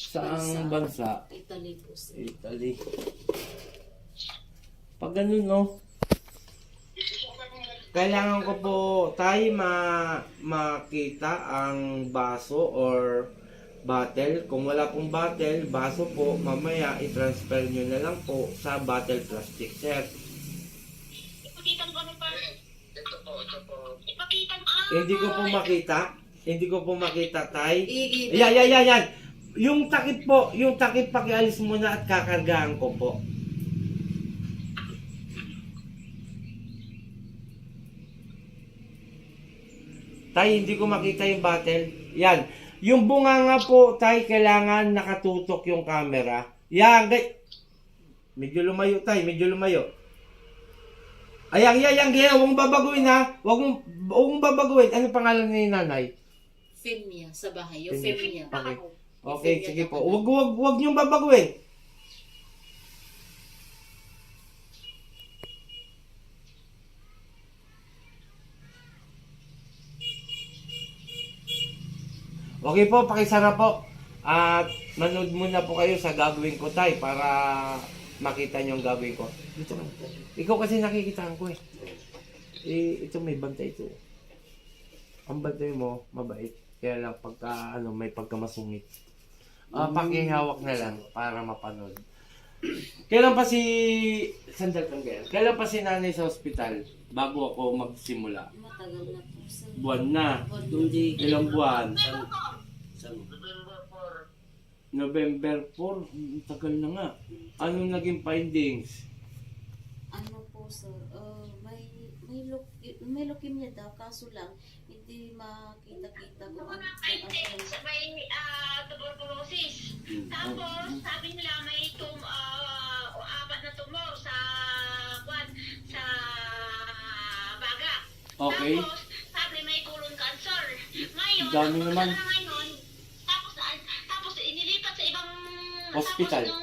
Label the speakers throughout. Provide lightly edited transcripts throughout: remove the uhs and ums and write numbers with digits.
Speaker 1: Saang bansa?
Speaker 2: Italy po, sir.
Speaker 1: Italy. Pag ganun, no? Kailangan ko po tayo makita ang baso or bottle. Kung wala pong bottle, baso po, mamaya i-transfer nyo na lang po sa bottle plastic, sir.
Speaker 3: Ipakita mo pa. Ito po. Ipakita mo.
Speaker 1: Hindi ko po makita. Hindi ko po makita, tay.
Speaker 2: I-
Speaker 1: Yan. Yung takip pakialis muna at kakargahan ko po. Tay, hindi ko makita yung bottle. Yan. Yung bunga nga po, tay, kailangan nakatutok yung camera. Yan, medyo lumayo, tay, medyo lumayo. Ayan, huwag mong babaguhin ha. Huwag mong babaguhin. Ano pangalan ni nanay?
Speaker 2: Femia sa bahay. Yung Femia.
Speaker 1: Okay. Okay, sige po. Huwag niyong babaguhin. Okay po, pakisara po. At manood muna po kayo sa gagawin ko, tay, para makita niyo ang gagawin ko. Dito man. Ikaw kasi nakikitaan ko eh. Ito may bantay ito. Ang bantay mo, mabait. Kaya lang pagka, may pagkamasungit. Pakihawak na lang para mapanood. Kailan pa si... Sandal kang ganyan. Kailan pa si nanay sa ospital bago ako magsimula?
Speaker 2: Matagal na po, sir.
Speaker 1: Buwan na.
Speaker 4: Hindi.
Speaker 1: Ilang buwan?
Speaker 4: Sa
Speaker 1: November 4. Tagal na nga. Anong naging findings?
Speaker 2: Ano po, sir? May leukemia daw, kaso lang, hindi makita-kita kung ano.
Speaker 3: May tuberculosis. Tapos, sabi nila may apat na tumor sa baga.
Speaker 1: Okay.
Speaker 3: Tapos, sabi may colon cancer. Ngayon,
Speaker 1: Dami naman.
Speaker 3: ngayon, tapos inilipat sa ibang
Speaker 1: Hospital.
Speaker 3: Tapos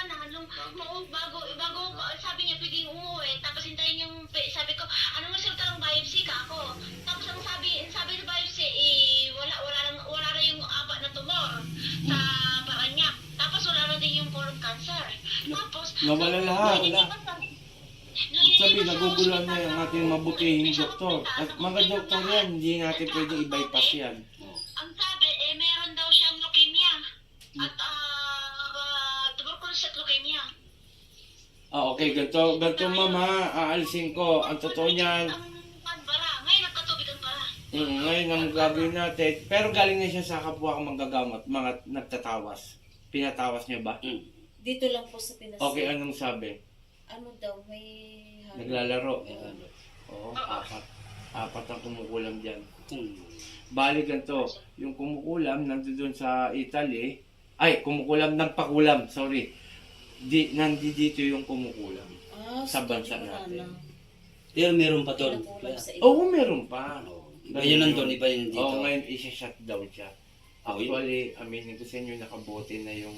Speaker 3: bago sabi niya pwedeng umuwi, tapos hintayin yung sabi ko, anong resulta ng biopsy ka ako? Tapos ang sabi ng biopsy, wala na yung apat na tumor sa paa niya. Tapos wala na din yung colon cancer. Tapos
Speaker 1: Nawala lahat.
Speaker 3: nililipat sa-
Speaker 1: Sabi, nagugulan na yung ating mabutihing doktor. At mga doktor yan, hindi natin pwedeng i-bypass yan.
Speaker 3: ang sabi, meron daw siyang leukemia. At tuberculosis at leukemia.
Speaker 1: Okay, ganito mama, aalisin ko. Ang totoo niyan,
Speaker 3: Ang para, ngayon nagkatubig ang para.
Speaker 1: ngayon ang gagawin natin. Pero galing na siya sa kapwa kong manggagamot, mga nagtatawas. Pinatawas niya ba?
Speaker 2: Dito lang po sa Pinas.
Speaker 1: Okay, anong sabi?
Speaker 2: Ano daw, may...
Speaker 1: Naglalaro. Oo, apat ang kumukulam dyan.
Speaker 4: Hmm.
Speaker 1: Bali ganito, yung kumukulam nandun sa Italy, nagpakulam, sorry. Nandito yung kumukulam sa bansa natin.
Speaker 4: Pero meron pa doon.
Speaker 1: Oo, meron pa.
Speaker 4: Ngayon nandun, iba yun dito.
Speaker 1: Oo, ngayon isa-shutdown siya. Actually, aminin ko sa inyo, nakabote na yung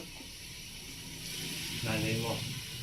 Speaker 1: nanay mo.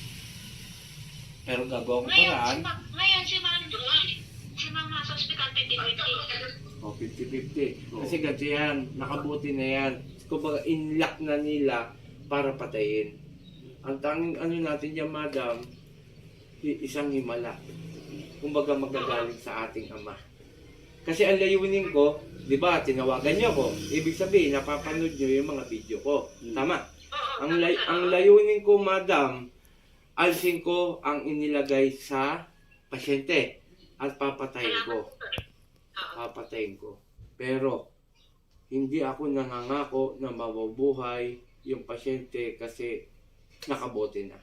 Speaker 1: Pero gagawa ko paraan.
Speaker 3: Ngayon si Mama sa hospital 50-50.
Speaker 1: O, 50-50. Kasi ganito yan, nakabuti na yan. Kumbaga, inlock na nila para patayin. Ang tanging ano natin dyan, madam, isang himala. Kumbaga, magagaling sa ating ama. Kasi ang layunin ko, di ba, tinawagan niyo ko. Ibig sabihin, napapanood niyo yung mga video ko. Tama. Ang layunin ko, madam, alisin ko ang inilagay sa pasyente at papatayin ko. Papatayin ko. Pero, hindi ako nangangako na mabubuhay yung pasyente kasi nakabote na.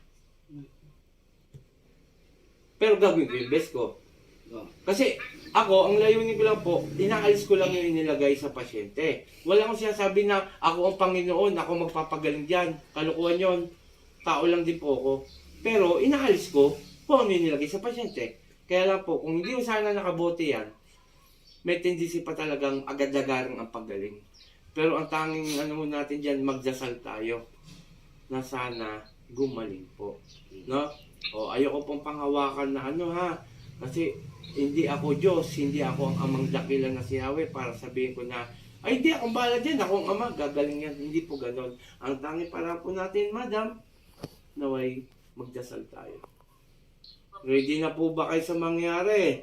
Speaker 1: Pero gagawin ko yung best ko. Kasi ako, ang layunin ko lang po, inaalis ko lang yung inilagay sa pasyente. Wala akong sinasabi na ako ang Panginoon, ako magpapagaling dyan. Kalukuhan yon. Tao lang din po ako. Pero inaalis ko kung ano yung nilagay sa pasyente. Kaya lang po, kung hindi ko sana nakabote yan, may tendency pa talagang agad-agarang ang paggaling. Pero ang tanging ano natin dyan, magdasal tayo na sana gumaling po. No? O, ayoko pong panghawakan na ano ha. Kasi hindi ako Diyos, hindi ako ang amang dakilan na si Yahweh para sabihin ko na Ay, hindi, akong bahala dyan. Akong ama, gagaling yan. Hindi po ganon. Ang tangi para po natin, madam, naway magdasal tayo. Ready na po ba kayo sa mangyari?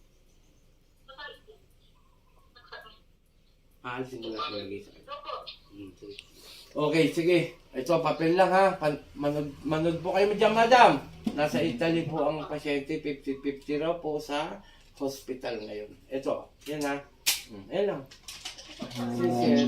Speaker 1: Aalisin mo na lagay sa akin. Okay, sige. Ito, papel lang ha. Manood po kayo dyan, madam. Nasa Italy po ang pasyente, 50-50 raw po sa hospital ngayon. Ito, yan ha. Ayan lang. Si Sir,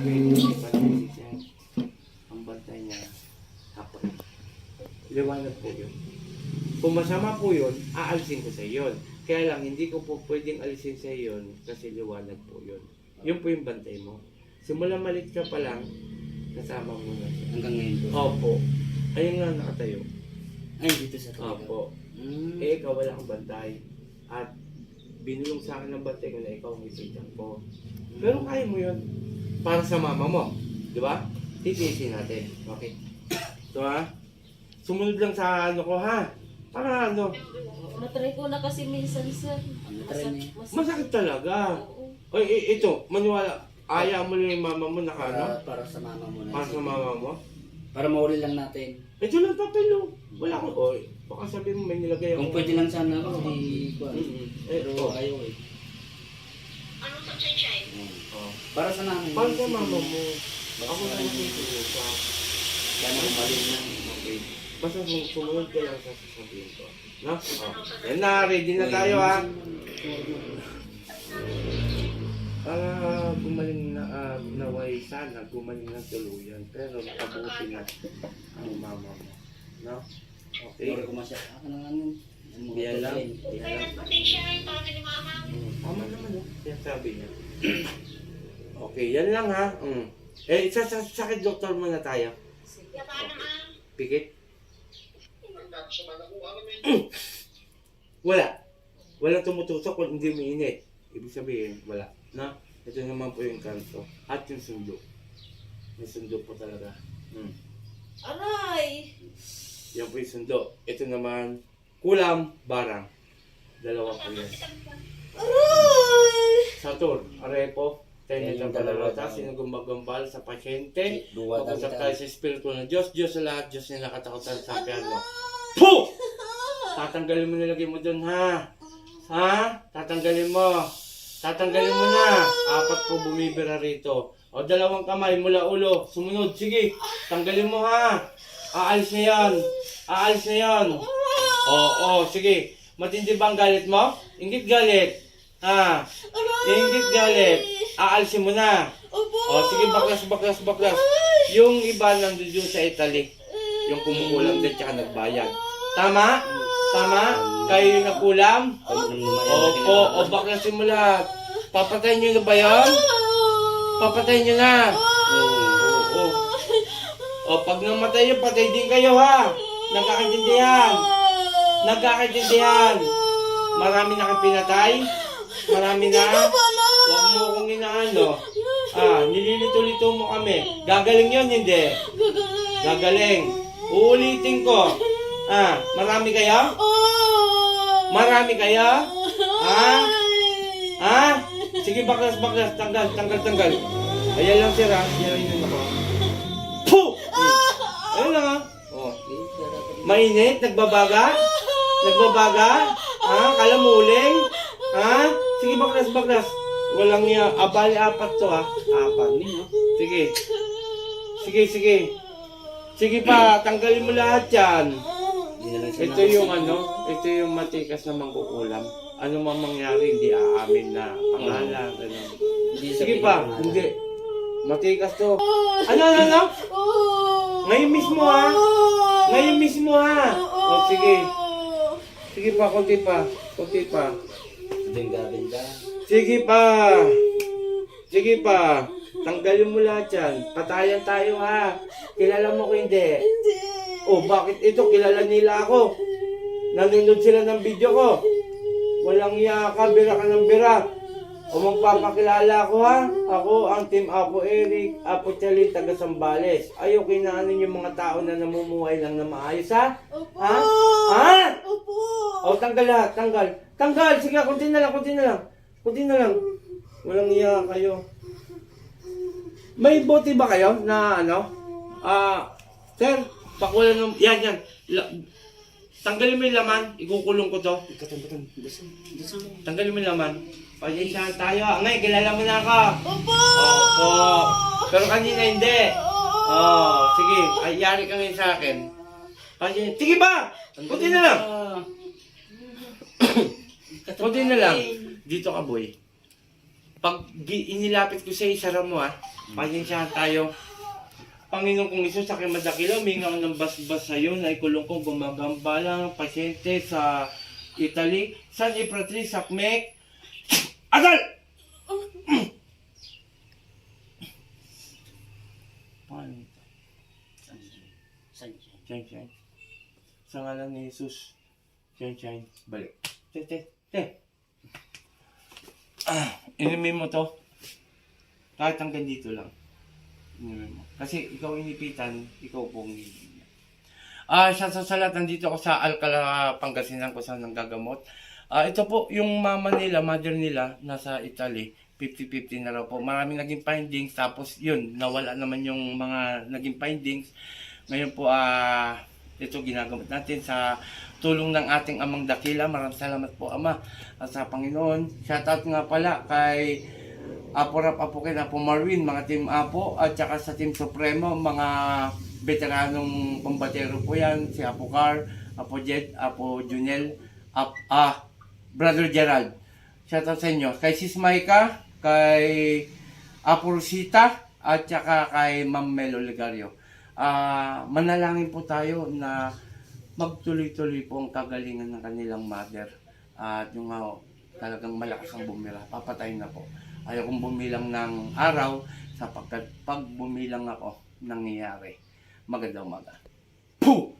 Speaker 1: ang bantay niya, hapon. Liwanag po yun. Kung masama po yun, aalisin ko sa yun. Kaya lang, hindi ko po pwedeng alisin sa yun kasi liwanag po yun. Yun po yung bantay mo. Simula malit ka pa lang, kasama mo na siya.
Speaker 4: Hanggang ngayon po.
Speaker 1: Opo. Ayun nga nakatayo.
Speaker 4: Ay, dito sa talaga.
Speaker 1: Opo.
Speaker 4: Mm.
Speaker 1: Eh, ikaw wala kang bantay. At binulong sa akin ng bantay ko na ikaw ang isitan ko. Pero kaya mo yun. Para sa mama mo. Di ba? Titiisin natin. Okay. So ha? Sumunod lang sa ano ko ha? Para ano?
Speaker 2: Natry ko na kasi minsan, sir.
Speaker 4: Natry niya.
Speaker 1: Masakit talaga.
Speaker 2: Oo.
Speaker 1: Ay, ito. Maniwala. Aya mo lang yung mama mo na ano?
Speaker 4: Para sa mama mo na.
Speaker 1: Para sa mama mo?
Speaker 4: Para mahuli lang natin.
Speaker 1: Ito lang papel oh. Wala ko. Oy, baka sabihin mo may nilagay ako.
Speaker 4: Kung pwede lang sana ako, di ko. Pero
Speaker 1: Ito.
Speaker 4: ayaw eh.
Speaker 3: Anong sunshine?
Speaker 1: Oh.
Speaker 4: Para sa namin.
Speaker 1: Para sa mama mo. Ako na nagtutulong.
Speaker 4: Sana kumalim na.
Speaker 1: Okay. Basta sumunod ka lang sa sasabihin ko. No? Oh. Yan na, ready na tayo ha. Para gumaling na, naway sana, gumaling na tuluyan. Pero nakabuti na ang mama mo. No? Okay.
Speaker 4: Pero kumasya. Ako na nga nun.
Speaker 1: Yan lang.
Speaker 3: Kaya nag-sunshine para kay mama.
Speaker 1: Tama naman no? Yan sabi niya. Okay, yan lang ha. Eh, sakit doktor muna tayo.
Speaker 3: Kaya paano naman?
Speaker 1: Pikit? Wala. Walang tumutusok kung hindi mainit. Ibig sabihin, wala. Na? Ito naman po yung kanto. At yung sundo. May sundo po talaga.
Speaker 2: Aray!
Speaker 1: Yan po yung sundo. Ito naman, kulam, barang. Dalawa po yan.
Speaker 2: Aray!
Speaker 1: Satur, arepo. Tayo
Speaker 4: Yan
Speaker 1: na
Speaker 4: yung
Speaker 1: dalawa.
Speaker 4: dalawa.
Speaker 1: Sino gumagambal sa pasyente.
Speaker 4: Duwa
Speaker 1: Mag-usap
Speaker 4: tayo.
Speaker 1: tayo sa espiritu ng Diyos. Diyos sa lahat. Diyos na nakatakutan sa piano. Puh! Tatanggalin mo nilagay mo dun ha. Ha? Tatanggalin mo. Tatanggalin mo na. 4 po bumibira rito. O 2 kamay mula ulo. Sumunod. Sige. Tanggalin mo ha. Aalis na yan. Aalis na yan. Oo. Sige. Matindi ba ang galit mo? Ingit galit. Ha? Ingit galit. Aalisin mo na.
Speaker 2: Opo!
Speaker 1: O sige. Baklas. Yung iba nandun dun sa Italy. Yung kumukulam din tsaka nagbayad. Tama? Tama? Kayo yung nakulam? Opo, o baklasin mo lahat. Papatayin nyo na ba yan? Papatayin nyo na. Oo. O pag namatay yun, patay din kayo ha. Nagkakaintindihan. Marami na kang pinatay. Marami na. Huwag mo akong inaano. Nililito-lito mo kami. Gagaling yun, hindi. Gagaling. Uulitin ko. Marami kayo? Marami kayo? Sige, baklas. Tanggal. Ayan lang sir ha. Yan lang ako. Puh! Ayan lang ha. Oh. Mainit? Nagbabaga? Kalamuling? Sige, baklas. Walang niya. Abali 4 to ha. 4. Sige. Sige pa, tanggalin mo lahat yan. Ito yung matikas na mangkukulam. Ano mang mangyari, hindi aamin na pangalan. Sige pa, hindi. Matikas to. Ano? Ngayon mismo ha. O sige. Sige pa, konti pa. Sige pa. Tanggalin mo lahat yan. Patayan tayo ha. Kilala mo ko hindi?
Speaker 2: Hindi!
Speaker 1: Oh, bakit ito? Kilala nila ako. Nanonood sila ng video ko. Walang iya ka, bira ka ng bira. O magpapakilala ko ha. Ako ang Team Apo Eric, Apo Chalin, taga Sambales. Ayaw kinaanin yung mga tao na namumuhay lang na maayos ha?
Speaker 2: Opo!
Speaker 1: Ha?
Speaker 2: Opo!
Speaker 1: O tanggal lahat, tanggal. Sige, kunti na lang. Walang iya kayo. May bote ba kayo na ano? Sir, pakuha ng... Yan. Tanggalin mo yung laman. Ikukulong ko to.
Speaker 4: Ikatan. Dasal.
Speaker 1: Tanggalin mo yung laman. Pasensyahan tayo. Angay, kilala mo na ako.
Speaker 2: Opo!
Speaker 1: Opo. Pero kanina hindi. Sige. Ay, yari ka ngayon sa akin. Pasensya. Sige ba? Kunti na lang. Kunti na lang. Dito ka, boy. Pag inilapit ko sa'yo, isara mo Pasensyahan tayo. Panginoon kong Isus, sa aking madakila, huminga ng basbas sa'yo na ikulong kong gumagambalang pasyente sa Italy, San Ipratri, Sakmek, Agal! Paano ito? Shine. Sa ngalan ni Jesus, shine. Balik. Te. Inumin mo to. Kahit hanggang dito lang. Kasi ikaw inipitan, ikaw pong inipitan. Siya sa lahat, nandito ako sa Alcala, Pangasinan kung saan nanggagamot. Ito po, yung mother nila, nasa Italy, 50-50 na raw po. Maraming naging findings, tapos yun, nawala naman yung mga naging findings. Ngayon po, ito ginagamot natin sa tulong ng ating Amang Dakila. Maraming salamat po, Ama, sa Panginoon. Shoutout nga pala kay Apo Rap, Apo Ken, Apo Marwin, mga Team Apo, at saka sa Team Supremo, mga veteranong pambatero po yan, si Apo Car, Apo Jed, Apo Junel, Brother Gerald. Shoutout sa inyo. Kay Sis Maika, kay Apo Rosita, at saka kay Ma'am Melo Ligario. Manalangin po tayo na magtuloy-tuloy po ang kagalingan ng kanilang mother. At yung talagang malakas ang bumira, papatayin na po. Ayaw kong bumilang ng araw sapagkat pag bumilang ako, nangyayari. Magandang umaga. Puh!